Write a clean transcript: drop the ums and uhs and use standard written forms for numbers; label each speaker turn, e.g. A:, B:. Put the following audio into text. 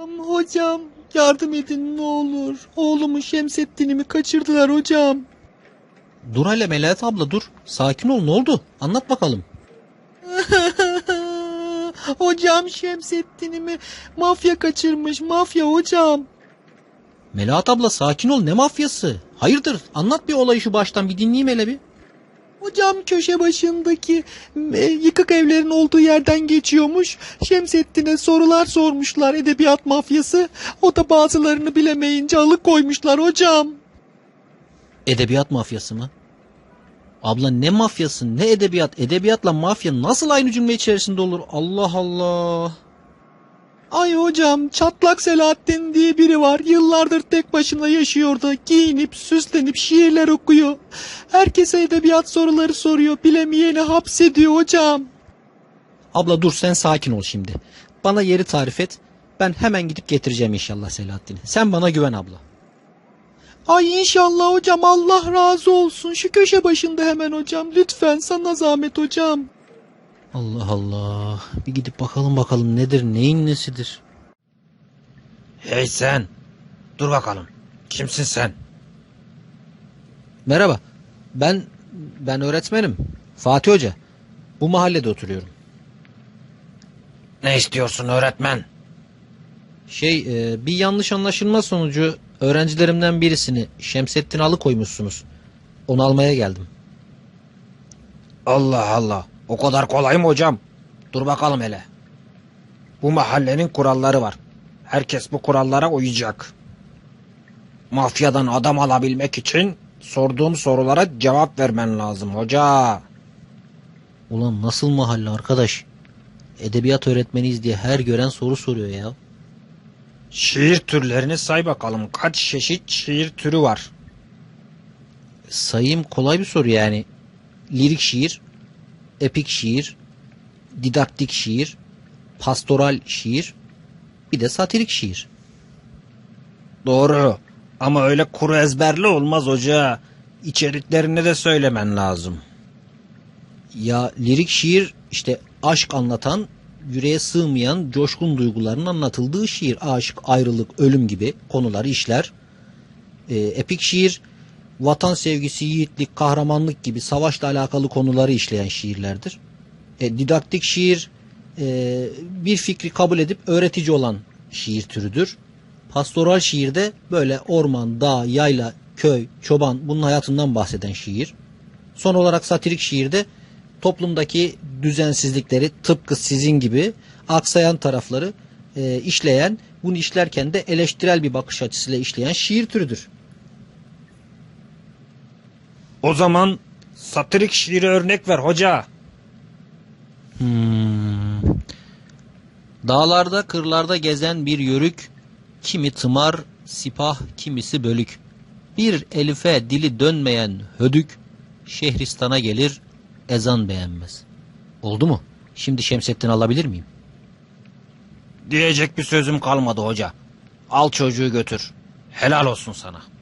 A: Hocam yardım edin ne olur. Oğlumu Şemsettin'imi kaçırdılar hocam.
B: Dur hele Melahat abla dur. Sakin ol, ne oldu? Anlat bakalım.
A: Hocam Şemsettin'imi mafya kaçırmış, mafya hocam.
B: Melahat abla sakin ol, ne mafyası? Hayırdır, anlat bir olayı şu baştan, bir dinleyeyim hele bir.
A: Hocam köşe başındaki yıkık evlerin olduğu yerden geçiyormuş. Şemsettin'e sorular sormuşlar, edebiyat mafyası. O da bazılarını bilemeyince alıkoymuşlar hocam.
B: Edebiyat mafyası mı? Abla ne mafyası, ne edebiyat? Edebiyatla mafya nasıl aynı cümle içerisinde olur? Allah Allah.
A: Ay hocam, Çatlak Selahattin diye biri var. Yıllardır tek başına yaşıyor da giyinip süslenip şiirler okuyor. Herkese edebiyat soruları soruyor. Bilemeyeni hapsediyor hocam.
B: Abla dur, sen sakin ol şimdi. Bana yeri tarif et. Ben hemen gidip getireceğim inşallah Selahattin'i. Sen bana güven abla.
A: Ay inşallah hocam, Allah razı olsun. Şu köşe başında hemen hocam. Lütfen, sana zahmet hocam.
B: Allah Allah. Bir gidip bakalım nedir, neyin nesidir?
C: Hey sen! Dur bakalım. Kimsin sen?
B: Merhaba. Ben öğretmenim. Fatih Hoca. Bu mahallede oturuyorum.
C: Ne istiyorsun öğretmen?
B: Bir yanlış anlaşılma sonucu öğrencilerimden birisini, Şemsettin'i alıkoymuşsunuz. Onu almaya geldim.
C: Allah Allah. O kadar kolay mı hocam? Dur bakalım hele. Bu mahallenin kuralları var. Herkes bu kurallara uyacak. Mafyadan adam alabilmek için sorduğum sorulara cevap vermen lazım hoca.
B: Ulan nasıl mahalle arkadaş? Edebiyat öğretmeniyiz diye her gören soru soruyor ya.
C: Şiir türlerini say bakalım. Kaç çeşit şiir türü var?
B: Sayayım, kolay bir soru yani. Lirik şiir, epik şiir, didaktik şiir, pastoral şiir, bir de satirik şiir.
C: Doğru. Ama öyle kuru ezberli olmaz hoca. İçeriklerini de söylemen lazım.
B: Ya lirik şiir işte aşk anlatan, yüreğe sığmayan coşkun duyguların anlatıldığı şiir. Aşk, ayrılık, ölüm gibi konuları işler. Epik şiir vatan sevgisi, yiğitlik, kahramanlık gibi savaşla alakalı konuları işleyen şiirlerdir. Didaktik şiir bir fikri kabul edip öğretici olan şiir türüdür. Pastoral şiir de böyle orman, dağ, yayla, köy, çoban bunun hayatından bahseden şiir. Son olarak satirik şiirde toplumdaki düzensizlikleri tıpkı sizin gibi aksayan tarafları işleyen, bunu işlerken de eleştirel bir bakış açısıyla işleyen şiir türüdür.
C: O zaman satirik şiiri örnek ver hoca.
B: Dağlarda, kırlarda gezen bir yörük, kimi tımar, sipah, kimisi bölük. Bir elife dili dönmeyen hödük, Şehristana gelir, ezan beğenmez. Oldu mu? Şimdi Şemsettin alabilir miyim?
C: Diyecek bir sözüm kalmadı hoca. Al çocuğu götür. Helal olsun sana.